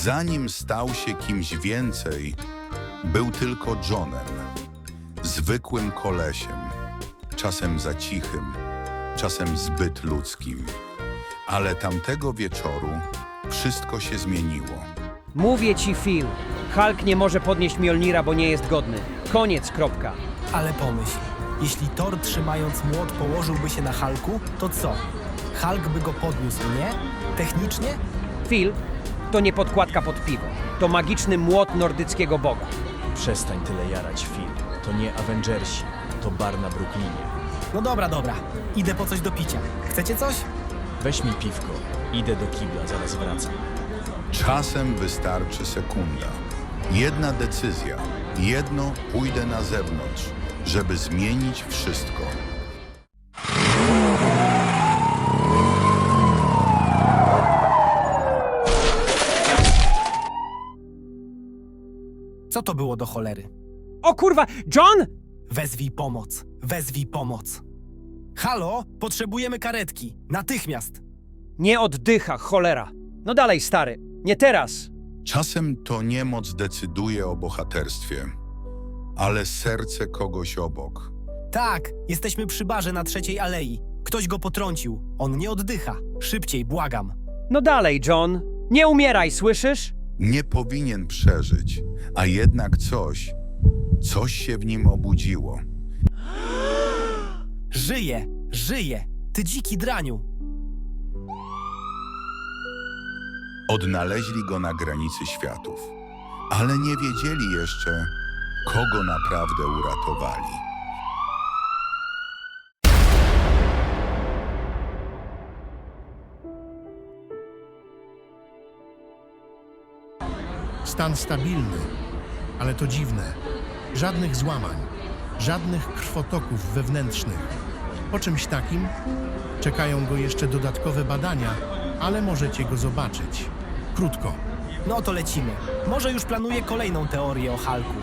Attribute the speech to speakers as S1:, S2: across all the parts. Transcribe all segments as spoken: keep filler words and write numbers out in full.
S1: Zanim stał się kimś więcej, był tylko Johnem. Zwykłym kolesiem, czasem za cichym, czasem zbyt ludzkim. Ale tamtego wieczoru wszystko się zmieniło.
S2: Mówię ci, Phil. Hulk nie może podnieść Mjolnira, bo nie jest godny. Koniec, kropka.
S3: Ale pomyśl, jeśli Thor trzymając młot położyłby się na Hulku, to co? Hulk by go podniósł, nie? Technicznie?
S2: Phil, to nie podkładka pod piwo. To magiczny młot nordyckiego boga.
S4: Przestań tyle jarać, Phil. To nie Avengersi, to bar na Brooklynie.
S3: No dobra, dobra. Idę po coś do picia. Chcecie coś?
S4: Weź mi piwko. Idę do kibla, zaraz wracam.
S1: Czasem wystarczy sekunda. Jedna decyzja, jedno pójdę na zewnątrz, żeby zmienić wszystko.
S3: Co to było do cholery?
S2: O kurwa, John!
S3: Wezwij pomoc. Wezwij pomoc. Halo? Potrzebujemy karetki. Natychmiast.
S2: Nie oddycha, cholera. No dalej, stary. Nie teraz.
S1: Czasem to niemoc decyduje o bohaterstwie, ale serce kogoś obok.
S3: Tak, jesteśmy przy barze na Trzeciej Alei. Ktoś go potrącił. On nie oddycha. Szybciej, błagam.
S2: No dalej, John. Nie umieraj, słyszysz?
S1: Nie powinien przeżyć, a jednak coś, coś się w nim obudziło.
S3: Żyje, żyje. Ty dziki draniu.
S1: Odnaleźli go na granicy światów, ale nie wiedzieli jeszcze, kogo naprawdę uratowali.
S5: Stan stabilny, ale to dziwne. Żadnych złamań, żadnych krwotoków wewnętrznych. Po czymś takim czekają go jeszcze dodatkowe badania, ale możecie go zobaczyć. Krótko.
S3: No to lecimy. Może już planuję kolejną teorię o Hulku.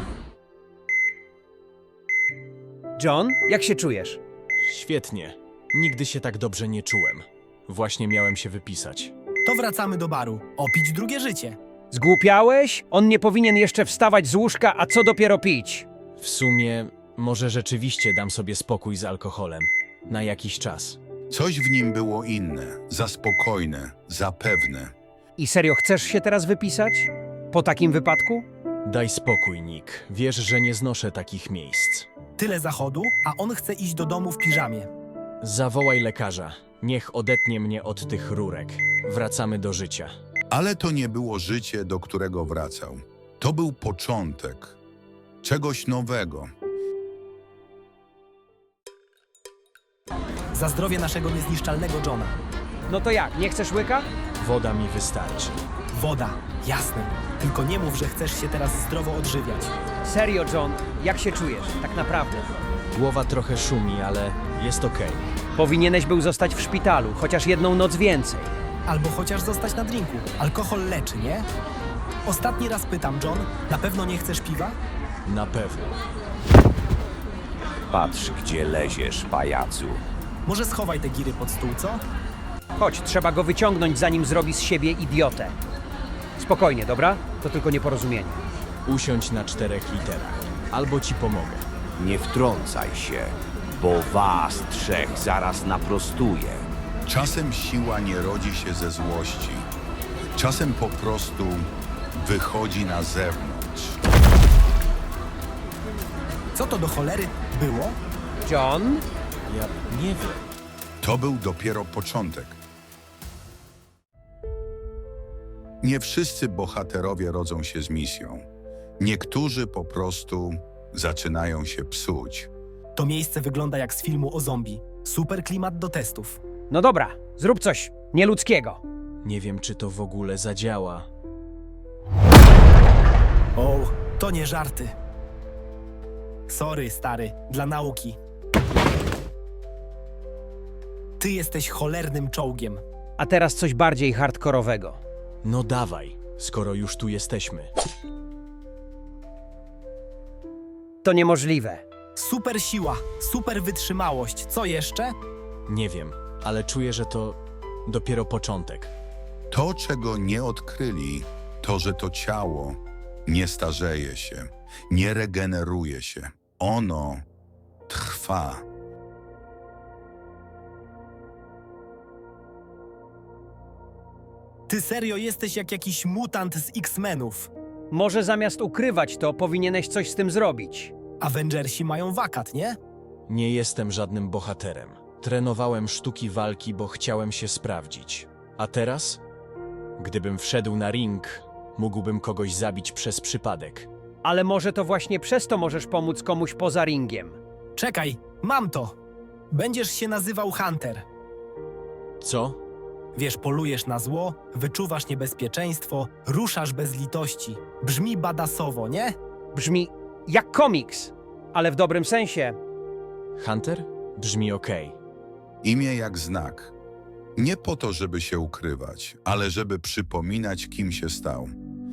S2: John, jak się czujesz?
S4: Świetnie. Nigdy się tak dobrze nie czułem. Właśnie miałem się wypisać.
S3: To wracamy do baru. Opić drugie życie.
S2: Zgłupiałeś? On nie powinien jeszcze wstawać z łóżka, a co dopiero pić?
S4: W sumie, może rzeczywiście dam sobie spokój z alkoholem. Na jakiś czas.
S1: Coś w nim było inne, za spokojne, za pewne.
S2: I serio chcesz się teraz wypisać? Po takim wypadku?
S4: Daj spokój, Nick. Wiesz, że nie znoszę takich miejsc.
S3: Tyle zachodu, a on chce iść do domu w piżamie.
S4: Zawołaj lekarza. Niech odetnie mnie od tych rurek. Wracamy do życia.
S1: Ale to nie było życie, do którego wracał. To był początek czegoś nowego.
S3: Za zdrowie naszego niezniszczalnego Johna.
S2: No to jak, nie chcesz łyka?
S4: Woda mi wystarczy.
S3: Woda, jasne. Tylko nie mów, że chcesz się teraz zdrowo odżywiać.
S2: Serio, John, jak się czujesz, tak naprawdę?
S4: Głowa trochę szumi, ale jest okej.
S2: Powinieneś był zostać w szpitalu, chociaż jedną noc więcej.
S3: Albo chociaż zostać na drinku. Alkohol leczy, nie? Ostatni raz pytam, John, na pewno nie chcesz piwa?
S4: Na pewno.
S6: Patrz, gdzie leziesz, pajacu.
S3: Może schowaj te giry pod stół, co?
S2: Chodź, trzeba go wyciągnąć, zanim zrobi z siebie idiotę. Spokojnie, dobra? To tylko nieporozumienie.
S4: Usiądź na czterech literach. Albo ci pomogę.
S6: Nie wtrącaj się, bo was trzech zaraz naprostuję.
S1: Czasem siła nie rodzi się ze złości. Czasem po prostu wychodzi na zewnątrz.
S3: Co to do cholery było?
S2: John?
S4: Ja nie wiem.
S1: To był dopiero początek. Nie wszyscy bohaterowie rodzą się z misją. Niektórzy po prostu zaczynają się psuć.
S3: To miejsce wygląda jak z filmu o zombie. Super klimat do testów.
S2: No dobra, zrób coś nieludzkiego.
S4: Nie wiem, czy to w ogóle zadziała.
S3: O, to nie żarty. Sorry, stary, dla nauki. Ty jesteś cholernym czołgiem.
S2: A teraz coś bardziej hardkorowego.
S4: No dawaj, skoro już tu jesteśmy.
S2: To niemożliwe.
S3: Super siła, super wytrzymałość. Co jeszcze?
S4: Nie wiem, ale czuję, że to dopiero początek.
S1: To, czego nie odkryli, To, że to ciało nie starzeje się, nie regeneruje się. Ono trwa.
S3: Ty serio jesteś jak jakiś mutant z X-Menów.
S2: Może zamiast ukrywać to, powinieneś coś z tym zrobić.
S3: Avengersi mają wakat, nie?
S4: Nie jestem żadnym bohaterem. Trenowałem sztuki walki, bo chciałem się sprawdzić. A teraz? Gdybym wszedł na ring, mógłbym kogoś zabić przez przypadek.
S2: Ale może to właśnie przez to możesz pomóc komuś poza ringiem.
S3: Czekaj, mam to. Będziesz się nazywał Hunter.
S4: Co?
S3: Wiesz, polujesz na zło, wyczuwasz niebezpieczeństwo, ruszasz bez litości. Brzmi badasowo, nie?
S2: Brzmi jak komiks, ale w dobrym sensie.
S4: Hunter? Brzmi okej.
S1: Imię jak znak. Nie po to, żeby się ukrywać, ale żeby przypominać, kim się stał.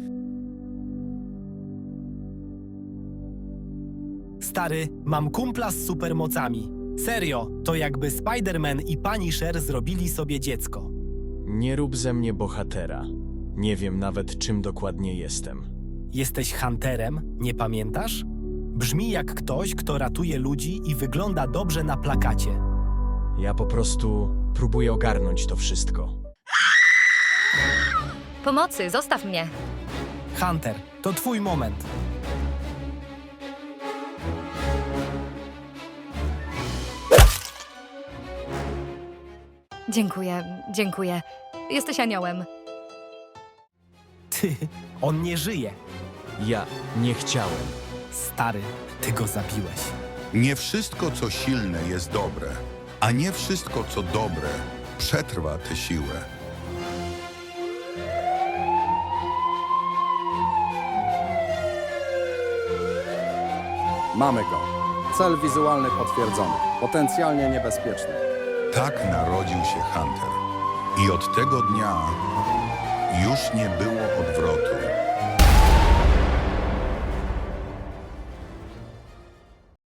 S3: Stary, mam kumpla z supermocami. Serio, to jakby Spider-Man i Punisher zrobili sobie dziecko.
S4: Nie rób ze mnie bohatera. Nie wiem nawet, czym dokładnie jestem.
S3: Jesteś Hunterem, nie pamiętasz? Brzmi jak ktoś, kto ratuje ludzi i wygląda dobrze na plakacie.
S4: Ja po prostu próbuję ogarnąć to wszystko.
S7: Pomocy, zostaw mnie.
S3: Hunter, to twój moment.
S7: Dziękuję, dziękuję. Jesteś aniołem.
S3: Ty, on nie żyje.
S4: Ja nie chciałem.
S3: Stary, ty go zabiłeś.
S1: Nie wszystko, co silne, jest dobre, a nie wszystko, co dobre, przetrwa tę siłę.
S8: Mamy go. Cel wizualny potwierdzony. Potencjalnie niebezpieczny.
S1: Tak narodził się Hunter. I od tego dnia już nie było